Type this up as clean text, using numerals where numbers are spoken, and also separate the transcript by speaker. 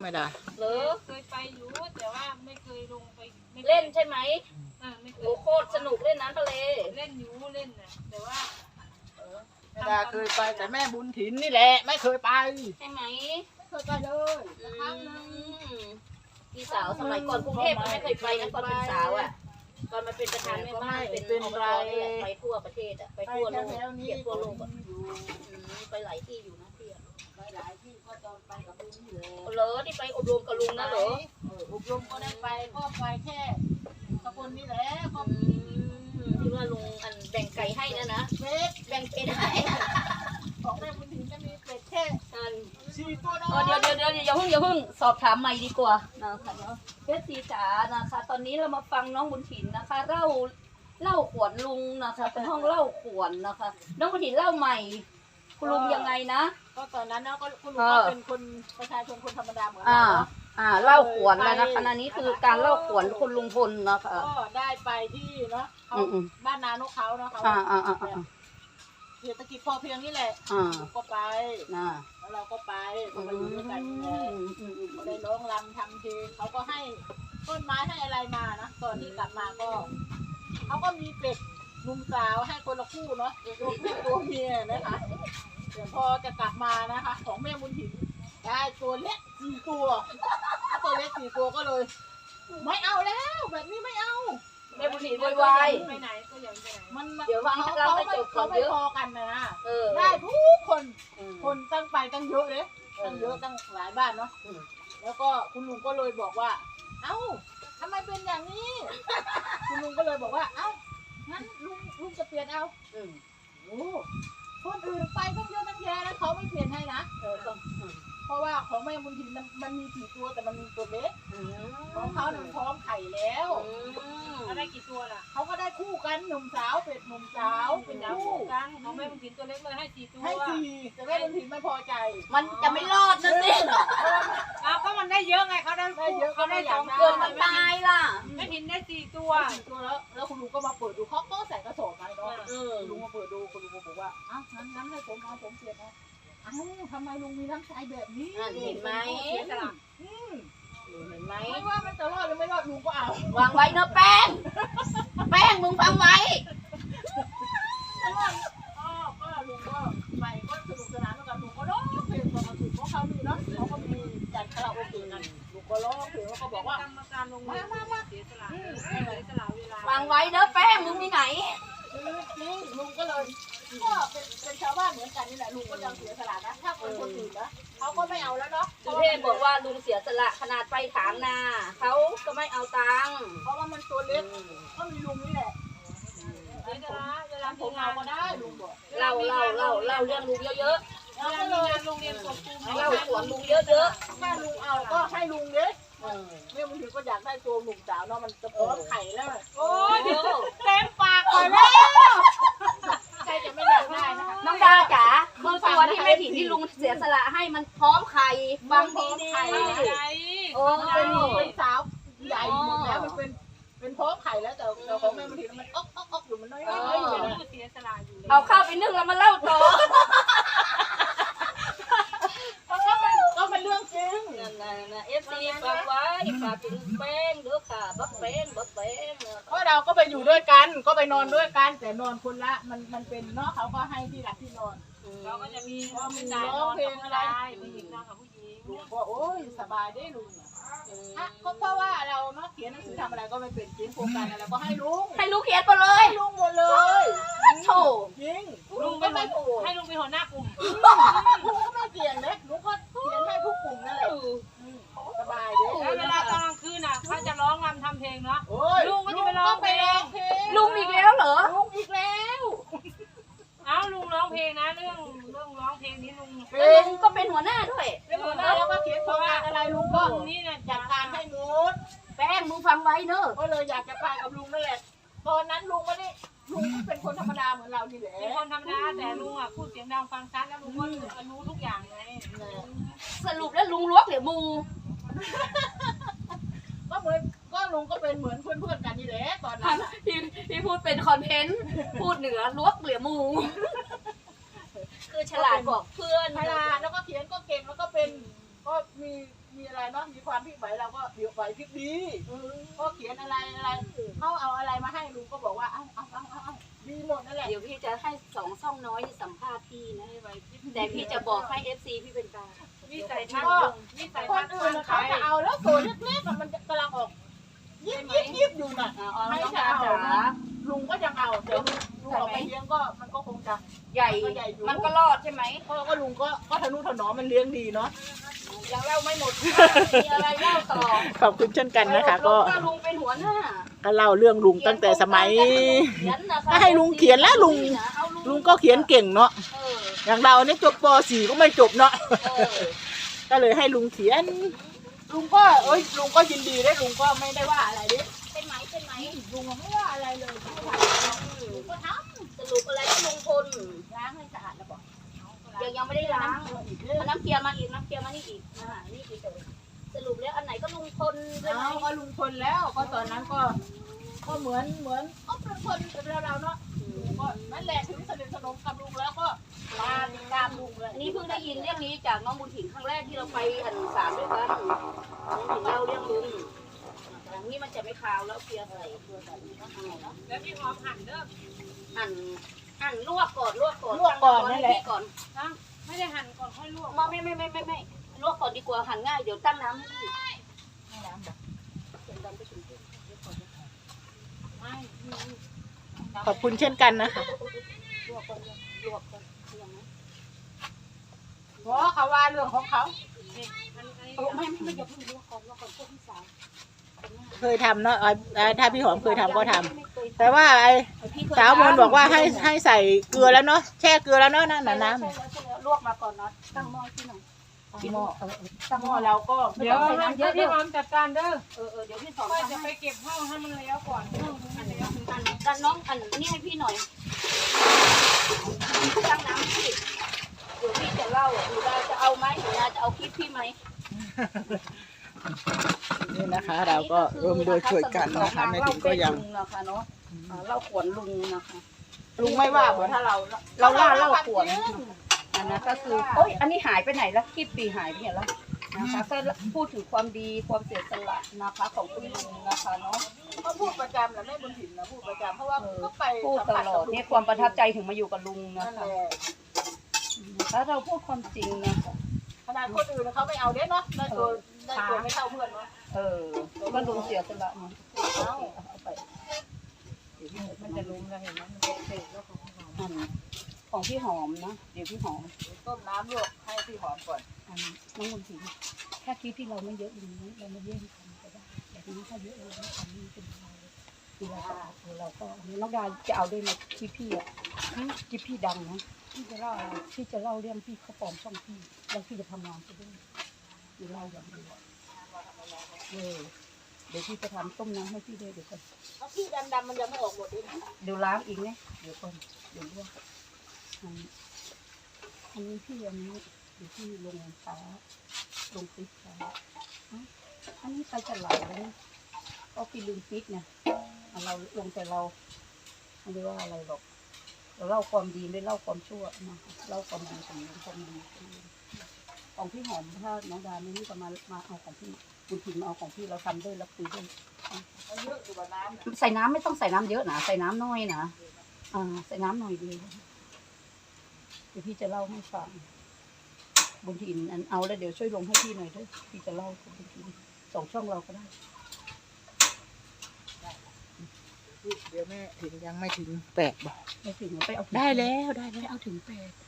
Speaker 1: ไม่ได้
Speaker 2: หรือ
Speaker 3: เคยไปอยู่แต่ว่าไม่เคยลงไป
Speaker 2: เล่นใช่ไหม
Speaker 3: ไม่เคย
Speaker 2: โอ้โคตรสนุกเล่นน้ำทะเล
Speaker 3: เล่นอยู่เล่นน่ะแต่ว่า
Speaker 1: ไม่ได้เคยไปแต่แม่บุญถิ่นนี่แหละไม่เคยไป
Speaker 2: ใช่ไหม
Speaker 1: ไม่เคยไปเลย
Speaker 2: พี่สาวสมัยก่อนกรุงเทพไม่เคยไปนะตอนเป็นสาวอ่ะตอนมาเป็นประธานแม่บ้านเป็นอบตนี่แหละไปทั่วประเทศอ่ะไปทั่วโลกเที่ยวทั่วโลกอ่ะไปหลายที่อยู่นะพี่
Speaker 1: ไปหลายที่ก็ตอนไปกับลุงอยู่แล้ว
Speaker 2: เหรอที่ไปอบรมกับลุงนะเหรอ
Speaker 1: อบรมก็ได้ไปก็ไปแค่ตะบนนี่แหละก็
Speaker 2: ที่ว่าลุงอันแบ่งไก่ให้นะ
Speaker 1: เป็ด
Speaker 2: แบ่งเป็ดให้
Speaker 1: ของแม่บุญถิ่นจะมีเป็ดแค่4 ตัวน้อย
Speaker 2: เดี๋ยวอย่าเพิ่งสอบถามใหม่ดีกว่านะคะเนาะเพชรสีจ๋านะคะตอนนี้เรามาฟังน้องบุญถิ่นนะคะเล่าขวนลุงนะคะเป็นห้องเล่าขวนนะคะน้องบุญถิ่นเล่าใหม่คุณลุงยังไงนะ
Speaker 1: ก็ตอนนั้นนะก็คุณลุงก็เป็นคนประชาชนคนธรรมดาเหมือนเรา
Speaker 2: เล่าขวนแล้วนะคะนี้คือการเล่าขวนคุณลุงพลนะคะ
Speaker 1: ก็ได้ไปที่เนาะเขาบ้านนานกเขาเนาะเขาเศรษฐกิจพอเพียงนี่แหละก็ไปแล้วเราก็ไปก็ไปอยู่ด้วยกันก็ได้ร้องรำทำเพลงเขาก็ให้ต้นไม้ให้อะไรมานะตอนที่กลับมาก็เขาก็มีเป็ดหนุ่มสาวให้คนละคู่เนาะตัวเมียนะคะเดี๋ยวพอจะกลับมานะคะของแม่บุญถิ่นได้ตัวเล็ก4 ตัวตัวเล็ก4 ตัวก็เลยไม่เอาแล้วแบบนี้ไม่เอา
Speaker 2: แม่บุญถิ่นวาย
Speaker 3: ไปไหนก็อย่างไปไหน
Speaker 1: มัน
Speaker 2: เดี๋ยว
Speaker 1: เขาไม่พอกันนะได้ทุกคนตั้งไปตั้งเยอะเลยตั้งเยอะตั้งหลายบ้านเนาะแล้วก็คุณลุงก็เลยบอกว่าเอ้าทำไมเป็นอย่างนี้คุณลุงก็เลยบอกว่าเอ้างั้นลุงจะเปลี่ยนเอาโอ้คนอื่นไปตั้งเยอะตั้งแยะแล้วเขาไม่เปลี่ยนให้นะเพราะว่าของแม่บุญถิ่นมันมี4 ตัวแต่มันมีตัวเล็กของเขาหนึ่งพร้อมไข่แล้ว
Speaker 3: ได้กี่ตัวล่ะ
Speaker 1: เขาก็ได้คู่กันหนุ่มสาวเป็ดหนุ่มสาวเป็นคู่
Speaker 3: กันของแม่บุญถิ่นตัวเล็กเลยให้4 ตัว
Speaker 1: ให้4แต่แม่บุญถิ่นไม่พอใจ
Speaker 2: มันจะไม่รอดนะสิ
Speaker 3: ก็มันได้เยอะไงเขาได้เยอะเขาได้2
Speaker 2: เกินมันตายล่ะ
Speaker 3: แม่ถิ่นได้4 ตัว
Speaker 1: แล้วคุณลุงก็มาเปิดดูเขาก็ใส่กระสอบมาเนาะลุงมาเปิดดูคุณลุงบอกว่าอ้าวงั้นให้ผมเอาผมเปลี่ยนนะอ้าวทำไมลุงมีน้ำใจแบบนี้
Speaker 2: เห็นไหม
Speaker 1: เห็น
Speaker 2: ไหม
Speaker 1: ไม่ว่ามันจะรอดหรือไม่รอดลุงก็เอา
Speaker 2: วางไว้เนอะแป้งมึงฟังไว้
Speaker 1: ก็ลุงก็ไปก็สนุกสนานแล้วกันลุงก็ร้องเพลงตอนมาถึงเพราะเขามีเนาะเขาก็มีจัดคาราโอเกะกันลุงก็ร้องเพลงแล้วก็บอกว่ากร
Speaker 3: รมการลงมาเสียสละเวลาว
Speaker 2: างไว้เนอะแป้งมึงที่ไหน
Speaker 1: นี่ลุงก็เลยก็เป็นชาวบ้านเหมือนกันนี่แหละลุงก็ยังเสียสละนะถ้าเป็นคนอื่นนะเขาก็ไม่เอาแล้วเนาะ
Speaker 2: สุเทพบอกว่าลุงเสียสละขนาดไปถามนาเขาก็ไม่เอาตังค์
Speaker 1: เพราะว่ามันตัวเล็กก็มีลุงนี่แหละ
Speaker 3: เวลา
Speaker 1: ผมเอาก็ได้ลุงบอก
Speaker 2: เล่าเรื่องลุงเยอะ
Speaker 3: ๆแล้วก็เลยโรงเรียนกบตูม
Speaker 2: เล่าสวนลุงเยอะ
Speaker 1: ๆถ้าลุงเอาก็ให้ลุงเล็กแม่บางทีก็อยากได้ตัวหนุ่มสาวเนาะมันจะพร้อมไข่แล้ว
Speaker 3: โอ้ยเดี๋ยวเต็มปากไปแล้ว
Speaker 1: ใครจะไม่อยากได้นะคะ
Speaker 2: น้องดาจ๋าคือตัวที่แม่ถิ่นที่ลุงเสียสละให้มันพร้อมไข่บางทีดี
Speaker 1: โอ้เป็นสาวใหญ่หมดแล้วมันเป็นพร้อมไข่แล้วแต่ของแม่บางทีมันอ๊อกอยู่มันน้อย
Speaker 3: เสียสละอยู่
Speaker 2: เอาข้าวไปนึ่งแล้วมาเล่าต่อ
Speaker 1: ก็เป็นเรื่องจริง
Speaker 2: นะFC ฝากไว้ฝากถึงแป้งเด้อค่ะบักแป้ง
Speaker 1: เพราะเราก็ไปอยู่ด้วยกันก็ไปนอนด้วยกันแต่นอนคนละมันเป็นเนาะเขาก็ให้ที่หลับที่นอน
Speaker 3: เราก็จะมี
Speaker 1: ร้องเพลงอะไร
Speaker 3: ผู้หญิงนอนกับผู้หญิง
Speaker 1: ลุงก็โอ้ยสบายได้ลุงเพราะว่าเราเนาะเขียนหนังสือทำอะไรก็ไม่เป็นเขียนโครงการอะไรก็ให้ลุง
Speaker 2: เขียนหมดเลย
Speaker 1: ลุงหมดเลย
Speaker 2: โธ่
Speaker 1: จริง
Speaker 3: ลุงก็ไม่ให้ลุงเป็นหัวหน้ากลุ่ม
Speaker 1: ลุงก็ไม่เปลี่ยนเลยลุงก็เขียนให้ทุกกลุ่มนั่นแหละสบายเลย
Speaker 3: แล้วเวลาตอนกลางคืนน่ะเขาจะร้องรำทำเพลงเนาะลุงก็จะไปร้องเพลง
Speaker 2: ลุงอีกแล้วเหรอ
Speaker 1: ลุงอีกแล้ว
Speaker 3: ลุงร้องเพลงนะเรื่องร้องเพลงนี้ลุง
Speaker 2: ก็เป็นหัวหน้าด้วย
Speaker 1: เป็นหัวหน้าแล้วก็เขียนโครงการอะไรลุงก็นี่เนี่ยจัดการให้หมด
Speaker 2: แป้งมึงฟังไว้เนอะ
Speaker 1: ก็เลยอยากจะไปกับลุงนั่นแหละตอนนั้นลุงไม่ได้ลุงเป็นคนธรรมดาเหมือนเรานี่แหละ
Speaker 3: เป็นคนธรรมดาแต่ลุงอ่ะพูดเสียงดังฟังชัดแล้วลุงก็รู้ทุกอย่างไง
Speaker 2: สรุปแล้วลุงล้วงหรือมู
Speaker 1: ก็เหมือนก็ลุงก็เป็นเหมือนเพื่อนกันนี่แหละตอนนั้น
Speaker 2: พี่พูดเป็นคอนเทนต์พูดเหนือล้วงหรือมูคือฉลาดบอกเพื่อน
Speaker 1: ฉลาดแล้วก็เขียนก็เก่งแล้วก็เป็นก็มีมีอะไรเนาะมีความพลิกไหวเราก็เดี๋ยวไหวพลิกดีก็เขียนอะไรเขาเอาอะไรมาให้ลุงก็บอกว่าเอาดีหมดนั่นแหละ
Speaker 2: เดี๋ยวพี่จะให้สองช่องน้อยสัมภาษณ์พี่นะแต่พี่จะบอกให้ FC พี่เป็นกลาง
Speaker 3: วิสัยทัศ
Speaker 1: ก็
Speaker 3: น์วิสัย
Speaker 1: ค
Speaker 3: ทั
Speaker 1: น
Speaker 3: ศน์
Speaker 1: อื่นเขาจะเอาแล้วตัวเล็กๆมันกำลังออกยิบอยู่น่ะ
Speaker 2: ไม่
Speaker 1: ไม่
Speaker 2: จะ
Speaker 1: จะ
Speaker 2: เอา
Speaker 1: เอาลุงก็ยังเอาเดี๋ยวลุงออกไปเลี้ยงก็มันก็คงจะ
Speaker 2: ใหญ่มันก็รอดใช่ไหม
Speaker 1: ก็ลุงก็ทะนุถนอมมันเลี้ยงดีเนาะ
Speaker 2: ยังเล่าไม่หมดมีอะไรเล่าต่อ
Speaker 1: ขอบคุณเช่นกันนะคะก็
Speaker 2: ลุงเป็นหัวหน้า
Speaker 1: ก็เล่าเรื่องลุงตั้งแต่สมัยถ้าให้ลุงเขียนแล้วลุงก็เขียนเก่งเนาะอย่างเราเนี่ยจบป .4 ก็ไม่จบเนาะก็เลยให้ลุงเขียนลุงก็ลุงก็ยินดีได้ลุงก็ไม่ได้ว่าอะไรดิ
Speaker 2: เป็นไหม
Speaker 1: ลุงไม่ว่าอะไรเลยลุงก็ท
Speaker 2: สรุปอะไรก็ลุงพล
Speaker 1: ำล้างให้สะอาดแล้วบอก
Speaker 2: ยังไม่ได้ล้างน้ำเกลียมาอีกน้ำเกลียมานี่อีกนี่อีกสรุปแล้วอันไหนก็ลุงพลใช่ไหม
Speaker 1: ก็ลุงพลแล้วก็ตอนนั้นก็เหมือนก็เป็นคนเป็นเราเนาะก็นั่นแหละถึงสนิทสนมกับลุงแล้วก็มาติดตามลุงเลย
Speaker 2: อันนี้เพิ่งได้ยินเรื่องนี้จากน้องบุญถิ่นครั้งแรกที่เราไปอันสามด้วยกันน้องถิ่นเล่าเรื่องลุงอย่างนี้มันจะไม่คาวแล้วเพียใส่ตัวใส่ก็เอาเนาะ
Speaker 3: แล้วพี่หอมหั่นเด้อ
Speaker 2: หั่นลวกก่อน
Speaker 1: ลวกก่อนนั่นแหละ
Speaker 2: ก่อน
Speaker 3: นะไม่ได้หั่นก่อนค่อยลวก
Speaker 2: ไม่ลวกก่อนดีกว่าหั่นง่ายเดี๋ยวตั้งน้ำให้พี่
Speaker 3: ไม่
Speaker 1: ขอบคุณเช่นกันนะคะ
Speaker 2: ลวกก่อนยังไง
Speaker 1: เพราะเขาว่าเรื่องของเขา
Speaker 2: ไม่อย่าเพิ่งลวกก่อนพวกพี่สาว
Speaker 1: เคยทำเนาะถ้าพี่หอมเคยทำก็ทำแต่ว่าสาวมนบอกว่าให้ใส่เกลือแล้วเนาะแช่เกลือแล้วเนาะนั่นน้ำ
Speaker 2: ลวกมาก่อนนะตั้งหม้อที่หน่อย
Speaker 1: หม้อตั้งหม้อเราก็
Speaker 3: เดี๋ยวพี่หอมจัดการเด้อ
Speaker 2: เดี๋ยวพี่สอน
Speaker 3: ค่อยจะไปเก็บห้องให้มันแล้วก่อนห้องมันแล้ว
Speaker 2: กันน้องอันนี้ให้พี่หน่อยตั้งน้ำพี่เดี๋ยวพี่จะเล่าหนูจะเอาไหมหนูจะเอาคลิปพี่ไหม
Speaker 1: นี่นะคะเราก็ร่วมด้วยช่วยกันนะคะแม่ติ๋มก็ยัง
Speaker 2: นะคะเนาะเล่าขวนลุงนะคะ
Speaker 1: ลุงไม่ว่าเพราะถ้าเรา
Speaker 2: ล่าเล่าขวนอันนั้นก็คือโอ้ยอันนี้หายไปไหนแล้วคลิปปีหายไปไหนแล้วนะคะก็พูดถึงความดีความเสียสละนะคะของคุณลุงนะคะเนาะ
Speaker 1: ก็พูดประจำแหละแม่บุญถิ่นนะพูดประจำเพราะว่าก็ไป
Speaker 2: พูดตลอดเนี่ยความประทับใจถึงมาอยู่กับลุงนะ
Speaker 1: นั่นแห
Speaker 2: คะ
Speaker 1: ละ
Speaker 2: ถ้าเราพูดความจริงนะคะ
Speaker 1: ขนาดคนอื่นเขาไม่เอาเด้เนาะได้ตัวไม่เท่าเพื่อนเนาะ
Speaker 2: ก็ลุงเสียสละมาเอาไป
Speaker 3: มันจะลุ้มแล้วเห็นไหมมันเสร็จแล้วของหอม
Speaker 2: ของพี่หอมนะเดี๋ยวพี่หอม
Speaker 1: ต้มน้ำลวกให้พี่หอมก่อน
Speaker 2: น้องบุญศรีแค่คลิปที่เราไม่เยอะอย่างนี้เราไม่เยอะที่ทำก็ได้แต่ทีนี้ถ้าเยอะเราไม่ทำนี่เป็นเราคือเราก็น้องดาจะเอาด้วยไหมคลิปพี่อะคลิปพี่ดังนะพี่จะเล่าอะไรพี่จะเล่าเรื่องพี่เขาปลอมช่องพี่แล้วพี่จะทำงานไปด้วยพี่เล่าอย่างเดียวเดี๋ยวพี่จะทำต้มน้ำให้พี่ด้วยเดี๋ยวก่อน
Speaker 1: เอาพี่ดำๆมันยังไม่ออกหมดเลย
Speaker 2: เดี๋ยวล้างอีกไหมเดี๋ยวก่อนเดี๋ยวลวกอันนี้พี่อันนี้เดี๋ยวพี่ลงฟ้าลงฟิตฟ้าอันนี้ไปจะไหลแล้วก็พี่ลืมฟิตไงเราลงแต่เราไม่ได้ว่าอะไรหรอกเราเล่าความดีไม่เล่าความชั่วนะเล่าความดีของความดีของพี่หอมถ้าน้องดาไม่นี่ก็มาเอาของพี่บุญถิ่นมาเอาของพี่เราทำด้วยแล้วคุยด้วย
Speaker 1: เยอะอยู่กับน้ำ
Speaker 2: ใส่น้ำไม่ต้องใส่น้ำเยอะนะใส่น้ำน้อยนะใส่น้ำหน่อยดีเดี๋ยวพี่จะเล่าให้ฟังบุญถิ่นเอาแล้วเดี๋ยวช่วยลงให้พี่หน่อยด้วยพี่จะเล่าบุญถิ่น2 ช่องเราก็ได้
Speaker 1: เดี๋ยวแม่ถึงยังไม่ถึง8บอก
Speaker 2: ไม่ถึงไปเอา
Speaker 1: ได้แล้ว
Speaker 2: ไปเอาถึง8